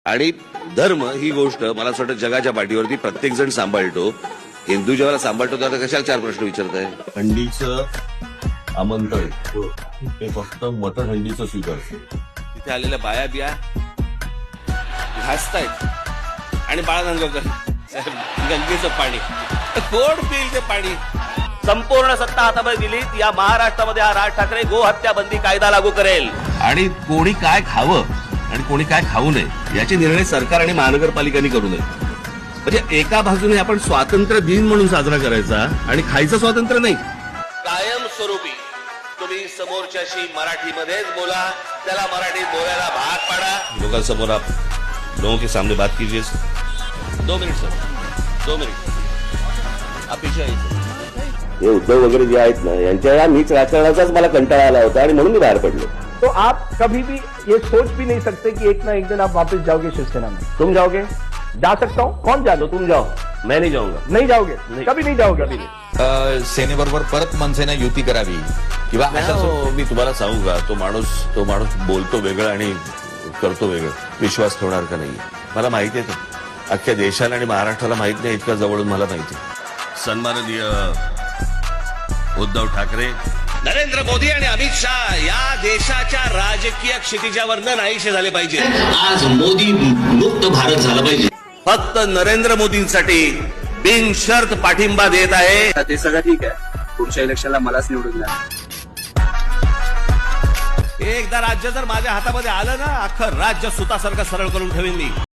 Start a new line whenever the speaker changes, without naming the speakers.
आणि धर्म ही गोष्ट मला असं वाटतं जगाच्या पाठीवरती प्रत्येक जण सांभाळतो. हिंदू जेव्हा सांभाळतो तेव्हा कशाला चार प्रश्न विचारताय.
हंडीचं आमंत्रण ते फक्त मटण हंडीचं स्वीकारतं.
तिथे आलेल्या बाया बिया घासतायत आणि बाळानंदकर गंगेचं पाणी कोण पिईल ते पाणी.
संपूर्ण सत्ता हातामध्ये दिली या महाराष्ट्रामध्ये हा राज ठाकरे गोहत्या बंदी कायदा लागू करेल.
आणि कोणी काय खावं आणि कोणी काय खाऊ नये याचे निर्णय सरकार आणि महानगरपालिकांनी करू नये. म्हणजे एका बाजूने आपण स्वातंत्र्य दिन म्हणून साजरा करायचा आणि खायचं स्वातंत्र्य नाही.
कायमस्वरूपी तुम्ही समोरच्याशी मराठीमध्येच बोला, त्याला मराठीत बोलायला भाग पाडा.
लोकांसमोर आप लोगों के सामने बात कीजिए.
2 मिनिट सर, 2 मिनिट आप पीछे आइए सर.
हे उद्धव वगैरे जे आहेत ना यांच्या या नीच राजकारणाचाच मला कंटाळा आला होता आणि म्हणून मी बाहेर पडलो.
तो आप कभी भी ये सोच भी नहीं सकते कि एक ना एक दिन आप वापस जाओगे शिवसेना में. तुम जाओगे? जा सकता हूँ. कौन जा दो? तुम जाओ.
मैं नहीं जाऊंगा.
नहीं जाओगे? कभी नहीं जाओगे. कभी नहीं.
सेनेबरोबर परत मनसेने युती करावी किंवा
मी तुम्हाला सांगू का, तो माणूस बोलतो वेगळं आणि करतो वेगळं. विश्वास ठेवणार का नाही मला माहिती आहे. अख्ख्या देशाला आणि महाराष्ट्राला माहित नाही इतक्या जवळून मला माहिती. सन्माननीय उद्धव ठाकरे,
नरेंद्र मोदी आणि अमित शहा या देशाच्या राजकीय क्षितिजावरनं नाहीसे झाले पाहिजे.
आज मोदी मुक्त भारत झाला पाहिजे.
फक्त नरेंद्र मोदींसाठी बिनशर्त पाठिंबा देत आहे.
ते सगळं ठीक आहे. पुढच्या इलेक्शनला मलाच निवडून द्या.
एकदा राज्य जर माझ्या हातामध्ये आलं ना, अख्खं राज्य सुतासारखं सरळ करून ठेवीन मी.